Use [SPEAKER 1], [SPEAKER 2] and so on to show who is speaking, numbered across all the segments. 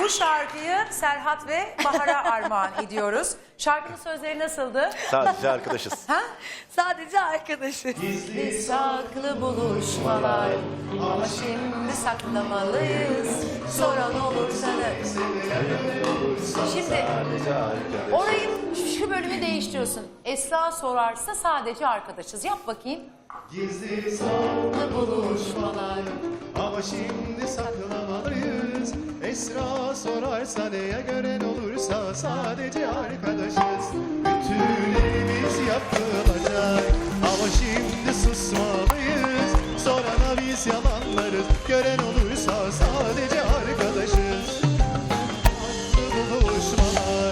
[SPEAKER 1] Bu şarkıyı Serhat ve Bahar'a armağan ediyoruz. Şarkının sözleri nasıldı?
[SPEAKER 2] Sadece arkadaşız.
[SPEAKER 1] Ha?
[SPEAKER 3] Sadece arkadaşız.
[SPEAKER 1] Gizli saklı buluşmalar ama şimdi saklamalıyız. Soran olursa da. Şimdi orayı şu bölümü değiştiriyorsun. Esra sorarsa sadece arkadaşız. Yap bakayım.
[SPEAKER 4] Gizli saklı
[SPEAKER 1] Buluşmalar.
[SPEAKER 4] ama şimdi saklamalıyız. Esra sorarsa neye gören olursa sadece arkadaşız. Bütünlerimiz yapılacak ama şimdi susmalıyız. Sorana biz yalanlarız, gören olursa sadece arkadaşız. Saklı buluşmalar.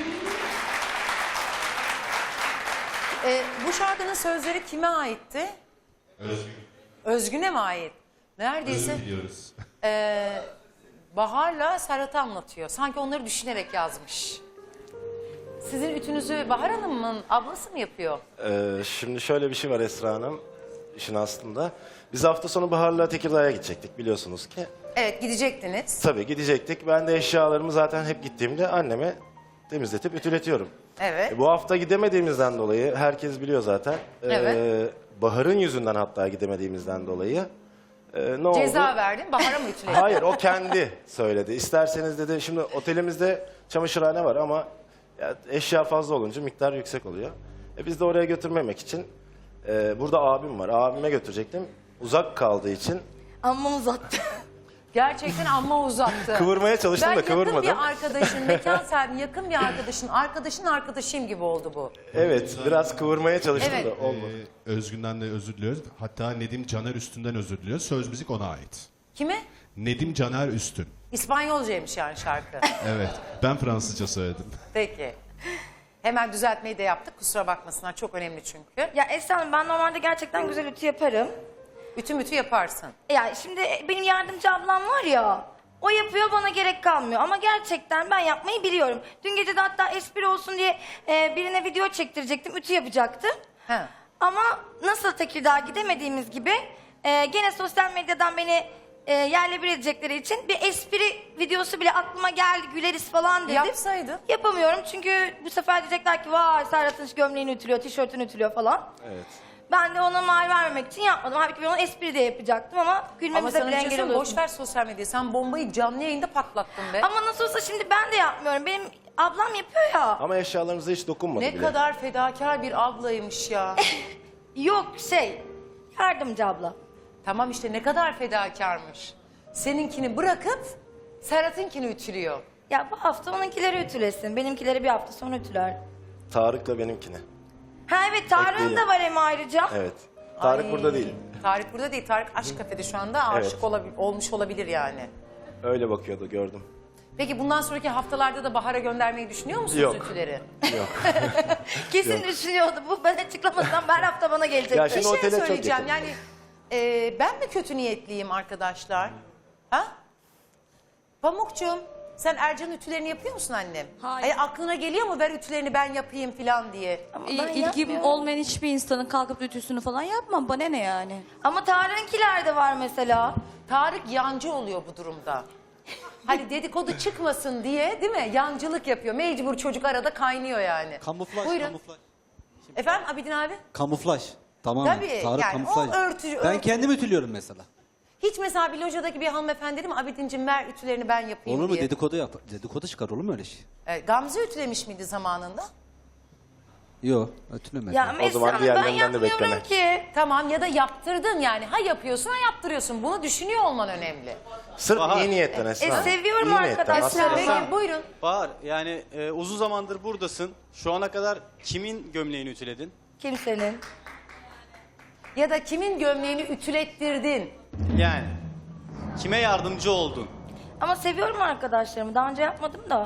[SPEAKER 1] Bu şarkının sözleri kime aitti?
[SPEAKER 4] Özgün.
[SPEAKER 1] Özgün'e mi ait? Neredeyse
[SPEAKER 4] Biliyoruz.
[SPEAKER 1] Bahar'la Serhat'ı anlatıyor. Sanki onları düşünerek yazmış. Sizin ütünüzü Bahar Hanım'ın ablası mı yapıyor?
[SPEAKER 2] Şimdi şöyle bir şey var Esra Hanım. İşin aslında. Biz hafta sonu Bahar'la Tekirdağ'a gidecektik biliyorsunuz ki.
[SPEAKER 1] Evet, gidecektiniz.
[SPEAKER 2] Tabii gidecektik. Ben de eşyalarımı zaten hep gittiğimde anneme temizletip ütületiyorum.
[SPEAKER 1] Evet.
[SPEAKER 2] Bu hafta gidemediğimizden dolayı herkes biliyor zaten.
[SPEAKER 1] Evet.
[SPEAKER 2] Bahar'ın yüzünden hatta gidemediğimizden dolayı. Ne oldu?
[SPEAKER 1] Ceza verdin, Bahar'a mı ütüledin?
[SPEAKER 2] Hayır o kendi söyledi. İsterseniz dedi şimdi otelimizde çamaşırhane var ama ya, eşya fazla olunca miktar yüksek oluyor. Biz de oraya götürmemek için burada abim var. Abime götürecektim. Uzak kaldığı için
[SPEAKER 3] Amma uzattı.
[SPEAKER 1] Gerçekten amma uzattı.
[SPEAKER 2] kıvırmaya çalıştım
[SPEAKER 1] Ben
[SPEAKER 2] da kıvırmadım.
[SPEAKER 1] yakın bir arkadaşın, mekan sahibi yakın bir arkadaşın arkadaşıyım gibi oldu bu.
[SPEAKER 2] Evet biraz kıvırmaya çalıştım
[SPEAKER 1] Evet.
[SPEAKER 2] da olmadı.
[SPEAKER 4] Özgün'den de özür diliyoruz. Hatta Nedim Caner Üstün'den özür diliyoruz. Söz müzik ona ait.
[SPEAKER 1] Kime?
[SPEAKER 4] Nedim Caner Üstün.
[SPEAKER 1] İspanyolcaymış yani şarkı.
[SPEAKER 4] Evet. Ben Fransızca söyledim.
[SPEAKER 1] Peki. Hemen düzeltmeyi de yaptık. Kusura bakmasınlar. Çok önemli çünkü.
[SPEAKER 3] Ya Esra Hanım, ben normalde gerçekten güzel ütü yaparım.
[SPEAKER 1] Ütü yaparsın.
[SPEAKER 3] Ya şimdi benim yardımcı ablam var ya, o yapıyor, bana gerek kalmıyor. Ama gerçekten ben yapmayı biliyorum. Dün gece de hatta espri olsun diye birine video çektirecektim, ütü yapacaktım.
[SPEAKER 1] Ha.
[SPEAKER 3] Ama nasıl Tekirdağ'a gidemediğimiz gibi gene sosyal medyadan beni yerle bir edecekleri için bir espri videosu bile aklıma geldi, güleriz falan dedim.
[SPEAKER 1] Yapsaydın.
[SPEAKER 3] Yapamıyorum çünkü bu sefer diyecekler ki vay Serhat'ın gömleğini ütülüyor, tişörtünü ütülüyor falan.
[SPEAKER 2] Evet.
[SPEAKER 3] Ben de ona mal vermemek için yapmadım. Halbuki ben onu espri de yapacaktım ama
[SPEAKER 1] Ama
[SPEAKER 3] gülmemize
[SPEAKER 1] sana
[SPEAKER 3] bile
[SPEAKER 1] bir şey
[SPEAKER 3] engel
[SPEAKER 1] söyleyeyim,
[SPEAKER 3] oluyorsun.
[SPEAKER 1] boş ver sosyal medyayı. Sen bombayı canlı yayında patlattın be.
[SPEAKER 3] Ama nasıl olsa şimdi ben de yapmıyorum. Benim ablam yapıyor ya.
[SPEAKER 2] Ama eşyalarımıza hiç dokunmadı
[SPEAKER 1] Ne
[SPEAKER 2] bile.
[SPEAKER 1] kadar fedakar bir ablaymış ya.
[SPEAKER 3] Yok yardımcı abla.
[SPEAKER 1] Tamam işte ne kadar fedakarmış. Seninkini bırakıp Serhat'ınkini ütülüyor.
[SPEAKER 3] Ya bu hafta onunkileri ütülesin. Benimkileri bir hafta sonra ütüler.
[SPEAKER 2] Tarık'la benimkini.
[SPEAKER 3] Ha evet, Tarık'ın
[SPEAKER 2] Ekleyelim.
[SPEAKER 3] da var hem ayrıca.
[SPEAKER 2] Evet. Tarık
[SPEAKER 1] Ay,
[SPEAKER 2] burada değil.
[SPEAKER 1] Tarık burada değil. Tarık Aşk Kafede şu anda aşık
[SPEAKER 2] Evet.
[SPEAKER 1] olmuş olabilir yani.
[SPEAKER 2] Öyle bakıyordu gördüm.
[SPEAKER 1] Peki bundan sonraki haftalarda da Bahar'a göndermeyi düşünüyor musunuz
[SPEAKER 2] Yok.
[SPEAKER 1] ütüleri?
[SPEAKER 3] Kesin düşünüyordu bu. Ben açıklamasam her hafta bana gelecek.
[SPEAKER 2] Ya
[SPEAKER 1] Bir
[SPEAKER 2] şimdi
[SPEAKER 1] şey
[SPEAKER 2] otele çok
[SPEAKER 1] söyleyeceğim
[SPEAKER 2] yakın.
[SPEAKER 1] yani ben mi kötü niyetliyim arkadaşlar? Ha? Pamukcuğum sen Ercan'ın ütülerini yapıyor musun annem?
[SPEAKER 5] Hayır.
[SPEAKER 1] Aklına geliyor mu ver ütülerini ben yapayım falan diye?
[SPEAKER 3] Ama ben
[SPEAKER 5] İlgim
[SPEAKER 3] yapmıyorum.
[SPEAKER 5] olmayan hiçbir insanın kalkıp ütüsünü falan yapmam. Bana ne yani?
[SPEAKER 3] Ama Tarık'ınkiler de var mesela.
[SPEAKER 1] Tarık yancı oluyor bu durumda. Hani dedikodu çıkmasın diye değil mi? Yancılık yapıyor. Mecbur çocuk arada kaynıyor yani.
[SPEAKER 6] Kamuflaj,
[SPEAKER 1] Buyurun.
[SPEAKER 6] kamuflaj.
[SPEAKER 1] Efendim Abidin abi?
[SPEAKER 6] Kamuflaj. Tamamen.
[SPEAKER 1] Tabii,
[SPEAKER 6] Tarık
[SPEAKER 1] yani
[SPEAKER 6] kamuflaj.
[SPEAKER 1] o örtü-
[SPEAKER 6] Ben
[SPEAKER 1] örtü-
[SPEAKER 6] kendim ütülüyorum mesela.
[SPEAKER 1] Hiç mesela bir lojadaki bir hanımefendi değil mi? Abidin'cim ver ütülerini ben yapayım
[SPEAKER 6] Olur mu?
[SPEAKER 1] diye.
[SPEAKER 6] Dedikodu yap. Dedikodu çıkar olur mu öyle şey?
[SPEAKER 1] Gamze ütülemiş miydi zamanında?
[SPEAKER 6] Yok, ütülemedim.
[SPEAKER 3] Ya mesela
[SPEAKER 2] zaman
[SPEAKER 3] ben
[SPEAKER 2] diğerlerinden de
[SPEAKER 3] yapmıyorum
[SPEAKER 2] bekleme.
[SPEAKER 3] ki.
[SPEAKER 1] Tamam ya da yaptırdın yani. Ha yapıyorsun ha yaptırıyorsun. Bunu düşünüyor olman önemli.
[SPEAKER 2] Sırf iyi niyetten Esra.
[SPEAKER 3] seviyorum
[SPEAKER 2] İyi niyetten.
[SPEAKER 3] arkadaşlar.
[SPEAKER 2] Aslında
[SPEAKER 1] Peki buyurun.
[SPEAKER 7] Bahar, yani uzun zamandır buradasın. Şu ana kadar kimin gömleğini ütüledin?
[SPEAKER 3] Kimsenin.
[SPEAKER 1] Ya da kimin gömleğini ütülettirdin?
[SPEAKER 7] Yani kime yardımcı oldun?
[SPEAKER 3] Ama seviyorum arkadaşlarımı. Daha önce yapmadım da.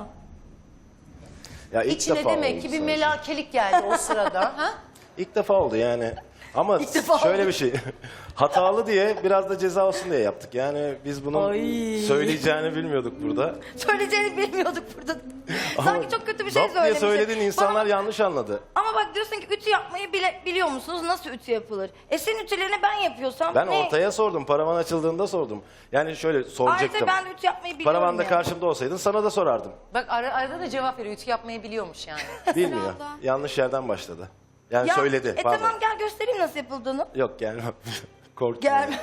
[SPEAKER 2] Ya ilk
[SPEAKER 1] İçine
[SPEAKER 2] defa
[SPEAKER 1] demek
[SPEAKER 2] oldu
[SPEAKER 1] ki bir
[SPEAKER 2] sadece.
[SPEAKER 1] melakelik geldi o sırada. Ha?
[SPEAKER 2] İlk defa oldu yani. Ama
[SPEAKER 3] İlk defa
[SPEAKER 2] şöyle
[SPEAKER 3] oldu.
[SPEAKER 2] bir şey. Hatalı diye biraz da ceza olsun diye yaptık. Yani biz bunun söyleyeceğini bilmiyorduk burada.
[SPEAKER 3] Söyleyeceğini bilmiyorduk burada.
[SPEAKER 2] Ama
[SPEAKER 3] Sanki çok kötü bir şey
[SPEAKER 2] laf diye
[SPEAKER 3] söylemişim.
[SPEAKER 2] söyledin, insanlar
[SPEAKER 3] Bana-
[SPEAKER 2] yanlış anladı.
[SPEAKER 3] Ama bak diyorsun ki ütü yapmayı biliyor musunuz? Nasıl ütü yapılır? Senin ütülerini ben yapıyorsam
[SPEAKER 2] Ben
[SPEAKER 3] ne?
[SPEAKER 2] ortaya sordum. Paravan açıldığında sordum. Yani şöyle soracaktım.
[SPEAKER 3] Ayrıca ben de ütü yapmayı biliyorum
[SPEAKER 2] Paravan da
[SPEAKER 3] yani.
[SPEAKER 2] karşımda olsaydın sana da sorardım.
[SPEAKER 1] Bak arada da cevap veriyor. Ütü yapmayı biliyormuş yani.
[SPEAKER 2] Bilmiyor. Yanlış yerden başladı. Yani
[SPEAKER 3] Ya,
[SPEAKER 2] söyledi. Pardon.
[SPEAKER 3] tamam gel göstereyim nasıl yapıldığını.
[SPEAKER 2] Yok gelmem. Korkuyorum.
[SPEAKER 3] Gel.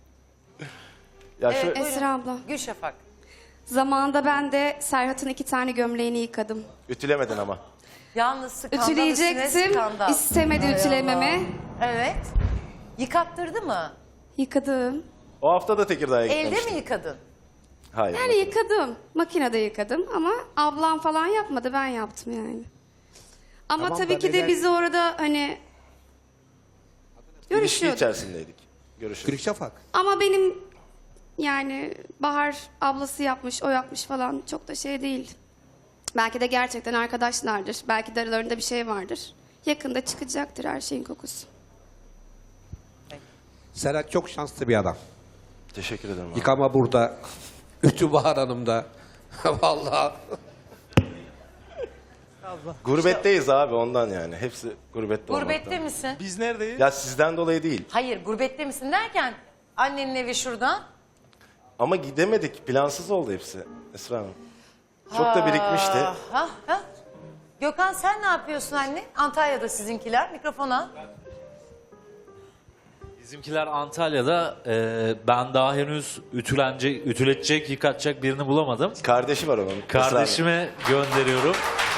[SPEAKER 2] Ya şu,
[SPEAKER 8] Esra abla.
[SPEAKER 1] Gülşafak.
[SPEAKER 8] Zamanında ben de Serhat'ın 2 tane gömleğini yıkadım.
[SPEAKER 2] ütülemedin ama.
[SPEAKER 1] Yalnız skandal üstüne
[SPEAKER 8] Ütüleyecektim.
[SPEAKER 1] skandal.
[SPEAKER 8] İstemedi ütülememi.
[SPEAKER 1] Evet. Yıkattırdı mı?
[SPEAKER 8] Yıkadım.
[SPEAKER 2] O hafta da Tekirdağ'a
[SPEAKER 1] Elde
[SPEAKER 2] gitmemiştim.
[SPEAKER 1] mi yıkadın?
[SPEAKER 2] Hayır.
[SPEAKER 8] Yani yıkadım. Makinede yıkadım ama ablam falan yapmadı. Ben yaptım yani. Ama
[SPEAKER 2] Tamam
[SPEAKER 8] tabii
[SPEAKER 2] da
[SPEAKER 8] ki de
[SPEAKER 2] neden-
[SPEAKER 8] biz orada hani
[SPEAKER 2] İlişki
[SPEAKER 8] görüşüyorduk.
[SPEAKER 2] içerisindeydik. Görüşürüz.
[SPEAKER 6] Gülük Şafak.
[SPEAKER 8] Ama benim yani Bahar ablası yapmış, o yapmış falan çok da şey değil. Belki de gerçekten arkadaşlardır. Belki de aralarında bir şey vardır. Yakında çıkacaktır her şeyin kokusu.
[SPEAKER 9] Serhat çok şanslı bir adam.
[SPEAKER 2] Teşekkür ederim. abi.
[SPEAKER 9] Yıkama burada. Ütü Bahar Hanım'da. Vallahi.
[SPEAKER 2] Gurbetteyiz abi ondan yani. Hepsi gurbette
[SPEAKER 1] Gurbette
[SPEAKER 2] olmaktan.
[SPEAKER 1] misin?
[SPEAKER 7] Biz neredeyiz?
[SPEAKER 2] Ya sizden dolayı değil.
[SPEAKER 1] Hayır, gurbette misin derken annenin evi şurada.
[SPEAKER 2] Ama gidemedik. Plansız oldu hepsi. Esra Hanım. Çok da birikmişti.
[SPEAKER 1] Ha? Gökhan sen ne yapıyorsun anne? Antalya'da sizinkiler. Mikrofona.
[SPEAKER 10] Bizimkiler Antalya'da. Ben daha henüz ütületecek, yıkatacak birini bulamadım.
[SPEAKER 2] Kardeşi var onun. Esra Hanım.
[SPEAKER 10] Kardeşime gönderiyorum.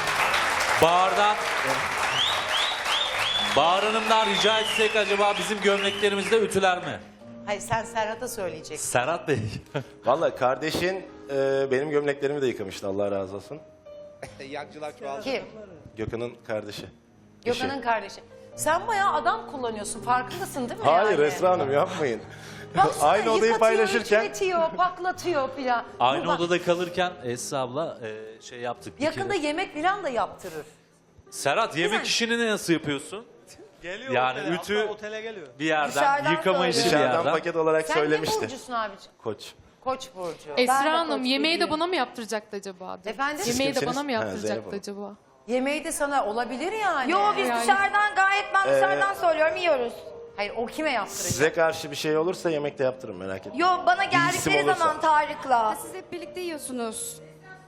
[SPEAKER 10] Bahar Hanım'dan rica etsek acaba bizim gömleklerimizi de ütüler mi?
[SPEAKER 1] Hayır sen Serhat'a söyleyeceksin.
[SPEAKER 10] Serhat Bey.
[SPEAKER 2] Vallahi kardeşin benim gömleklerimi de yıkamıştı. Allah razı olsun.
[SPEAKER 9] Yancılar çoğaldı.
[SPEAKER 1] Kim?
[SPEAKER 2] Gökhan'ın kardeşi.
[SPEAKER 1] Gökhan'ın kardeşi. Sen bayağı adam kullanıyorsun. Farkındasın değil mi
[SPEAKER 2] Hayır
[SPEAKER 1] yani?
[SPEAKER 2] Esra Hanım yapmayın.
[SPEAKER 1] Baksana,
[SPEAKER 2] Aynı odayı
[SPEAKER 1] yıkatıyor,
[SPEAKER 2] paylaşırken
[SPEAKER 1] ütületiyor, paklatıyor filan.
[SPEAKER 10] Aynı
[SPEAKER 1] Bu bak,
[SPEAKER 10] odada kalırken Esra abla şey yaptık. bir
[SPEAKER 1] yakında
[SPEAKER 10] kere.
[SPEAKER 1] yemek filan da yaptırır.
[SPEAKER 10] Serhat yemek
[SPEAKER 1] Güzel.
[SPEAKER 10] işini nasıl yapıyorsun?
[SPEAKER 7] Geliyor
[SPEAKER 10] Yani
[SPEAKER 7] otele,
[SPEAKER 10] ütü
[SPEAKER 7] hatta otele geliyor.
[SPEAKER 10] bir yerden,
[SPEAKER 3] Dışarıdan
[SPEAKER 10] yıkama işi bir
[SPEAKER 2] dışarıdan
[SPEAKER 10] yerden.
[SPEAKER 2] paket olarak
[SPEAKER 1] Sen
[SPEAKER 2] söylemişti.
[SPEAKER 1] ne burcusun abiciğim?
[SPEAKER 2] Koç.
[SPEAKER 1] Koç burcu.
[SPEAKER 3] Ben de
[SPEAKER 11] Esra Hanım
[SPEAKER 3] koç
[SPEAKER 11] yemeği de
[SPEAKER 3] burcuyum.
[SPEAKER 11] bana mı yaptıracaktı acaba?
[SPEAKER 1] Efendim?
[SPEAKER 11] Yemeği de
[SPEAKER 2] kimsiniz?
[SPEAKER 11] bana mı
[SPEAKER 2] Ha, Zeynep
[SPEAKER 11] yaptıracaktı
[SPEAKER 2] Hanım.
[SPEAKER 11] acaba?
[SPEAKER 1] Yemeği de sana olabilir yani.
[SPEAKER 3] Yo biz
[SPEAKER 11] Yani-
[SPEAKER 3] dışarıdan gayet ben dışarıdan söylüyorum yiyoruz.
[SPEAKER 1] Hayır o kime yaptıracak?
[SPEAKER 2] Size karşı bir şey olursa yemekte yaptırın merak etmeyin.
[SPEAKER 3] Yo bana
[SPEAKER 2] isim
[SPEAKER 3] geldikleri
[SPEAKER 2] olursa.
[SPEAKER 3] zaman Tarık'la.
[SPEAKER 8] Siz hep birlikte yiyorsunuz.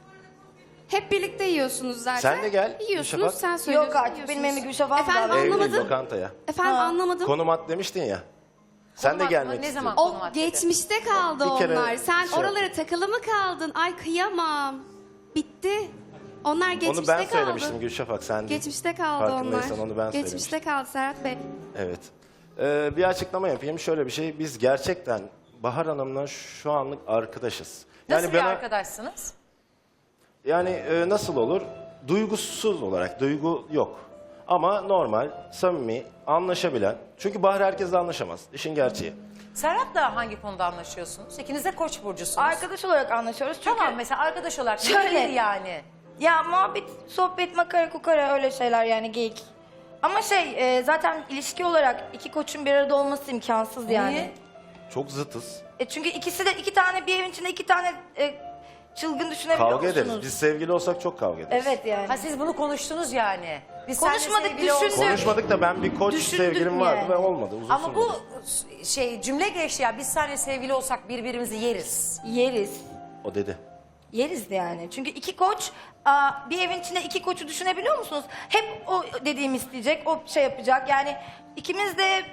[SPEAKER 8] Hep birlikte yiyorsunuz zaten.
[SPEAKER 2] Sen de gel,
[SPEAKER 8] Yiyorsunuz,
[SPEAKER 2] Gülşafak.
[SPEAKER 8] sen söylüyorsun.
[SPEAKER 3] Yok artık
[SPEAKER 8] yiyorsunuz.
[SPEAKER 3] benim evime Gülşafak
[SPEAKER 8] Efendim
[SPEAKER 3] da-
[SPEAKER 2] Evli
[SPEAKER 8] anlamadım.
[SPEAKER 2] lokantaya.
[SPEAKER 8] Efendim anlamadım.
[SPEAKER 2] Konum at demiştin ya. Sen de
[SPEAKER 1] Konum
[SPEAKER 2] gelmek
[SPEAKER 1] atma, ne
[SPEAKER 2] istiyorsun.
[SPEAKER 1] zaman?
[SPEAKER 8] O
[SPEAKER 1] Konum at dedi.
[SPEAKER 8] geçmişte kaldı
[SPEAKER 2] Bir kere
[SPEAKER 8] onlar. Sen
[SPEAKER 2] şey
[SPEAKER 8] oralara takılı mı kaldın? Ay kıyamam. Bitti. Onlar geçmişte
[SPEAKER 2] Onu ben
[SPEAKER 8] kaldı.
[SPEAKER 2] söylemiştim Gülşafak sen değil.
[SPEAKER 8] Geçmişte kaldı onlar.
[SPEAKER 2] Farkındaysan onu ben
[SPEAKER 8] Geçmişte kaldı Serhat Bey.
[SPEAKER 2] Evet. Bir açıklama yapayım. Şöyle bir şey. Biz gerçekten Bahar Hanım'la şu anlık arkadaşız.
[SPEAKER 1] Nasıl bir
[SPEAKER 2] bana-
[SPEAKER 1] arkadaşsınız?
[SPEAKER 2] Yani nasıl olur? Duygusuz olarak. Duygu yok. Ama normal, samimi, anlaşabilen. Çünkü Bahar herkesle anlaşamaz. İşin gerçeği.
[SPEAKER 1] Serhat'la hangi konuda anlaşıyorsunuz? İkiniz de koç burcusunuz.
[SPEAKER 3] Arkadaş olarak anlaşıyoruz çünkü
[SPEAKER 1] Tamam mesela arkadaş olarak
[SPEAKER 3] Şöyle.
[SPEAKER 1] nedir yani?
[SPEAKER 3] ya muhabbet, sohbet, makara, kukara öyle şeyler yani geyik. Ama zaten ilişki olarak iki koçun bir arada olması imkansız yani.
[SPEAKER 1] Niye?
[SPEAKER 2] Çok zıtız.
[SPEAKER 3] Çünkü ikisi de iki tane bir evin içinde iki tane çılgın düşünebiliyor
[SPEAKER 2] Kavga
[SPEAKER 3] musunuz?
[SPEAKER 2] ederiz. Biz sevgili olsak çok kavga ederiz.
[SPEAKER 3] Evet yani.
[SPEAKER 1] Ha siz bunu konuştunuz yani. Biz seninle
[SPEAKER 3] Konuşmadık,
[SPEAKER 1] sevgili olsak-
[SPEAKER 3] düşündük.
[SPEAKER 2] Konuşmadık da ben bir koç
[SPEAKER 3] Düşündük
[SPEAKER 2] sevgilim vardı
[SPEAKER 3] yani.
[SPEAKER 2] ve olmadı. Uzun
[SPEAKER 1] Ama bu
[SPEAKER 2] sürmedi.
[SPEAKER 1] cümle geçti ya biz seninle sevgili olsak birbirimizi yeriz.
[SPEAKER 3] Yeriz.
[SPEAKER 2] O dedi.
[SPEAKER 3] Yeriz yani. Çünkü iki koç bir evin içinde iki koçu düşünebiliyor musunuz? Hep o dediğimi isteyecek, o şey yapacak. Yani ikimiz de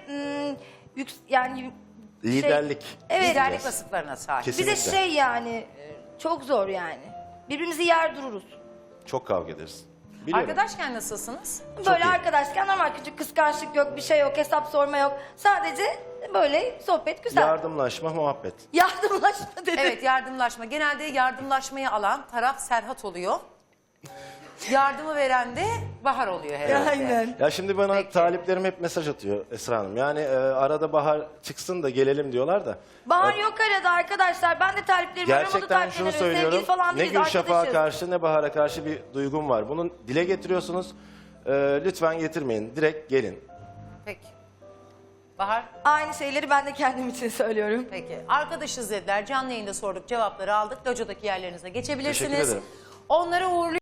[SPEAKER 3] yani
[SPEAKER 2] Liderlik.
[SPEAKER 3] evet.
[SPEAKER 1] Liderlik vasıflarına sahip.
[SPEAKER 2] Kesinlikle.
[SPEAKER 3] Bize yani çok zor yani. Birbirimizi yer dururuz.
[SPEAKER 2] Çok kavga ederiz. Biliyorum.
[SPEAKER 1] Arkadaşken nasılsınız?
[SPEAKER 3] Böyle
[SPEAKER 2] iyi.
[SPEAKER 3] arkadaşken normal küçük kıskançlık yok, bir şey yok, hesap sorma yok. Sadece böyle sohbet güzel.
[SPEAKER 2] Yardımlaşma, muhabbet.
[SPEAKER 3] Yardımlaşma dedi.
[SPEAKER 1] Evet yardımlaşma. Genelde yardımlaşmayı alan taraf Serhat oluyor. Yardımı veren de Bahar oluyor herhalde.
[SPEAKER 3] Aynen.
[SPEAKER 2] Ya şimdi bana
[SPEAKER 1] Peki.
[SPEAKER 2] taliplerim hep mesaj atıyor Esra Hanım. Yani arada Bahar çıksın da gelelim diyorlar da.
[SPEAKER 3] Bahar yok arada arkadaşlar. Ben de taliplerimi aramadı
[SPEAKER 2] Gerçekten şunu
[SPEAKER 3] taliplerimi. Sevgili
[SPEAKER 2] söylüyorum.
[SPEAKER 3] falan
[SPEAKER 2] Ne
[SPEAKER 3] değiliz,
[SPEAKER 2] Gülşafak'a
[SPEAKER 3] arkadaşız.
[SPEAKER 2] karşı ne Bahar'a karşı bir duygum var. Bunu dile getiriyorsunuz. Lütfen getirmeyin. Direkt gelin.
[SPEAKER 1] Peki. Bahar?
[SPEAKER 3] Aynı şeyleri ben de kendim için söylüyorum.
[SPEAKER 1] Peki. Arkadaşız dediler. Canlı yayında sorduk, cevapları aldık. Locodaki yerlerinize geçebilirsiniz.
[SPEAKER 2] Teşekkür ederim.
[SPEAKER 1] Onları uğurluyoruz.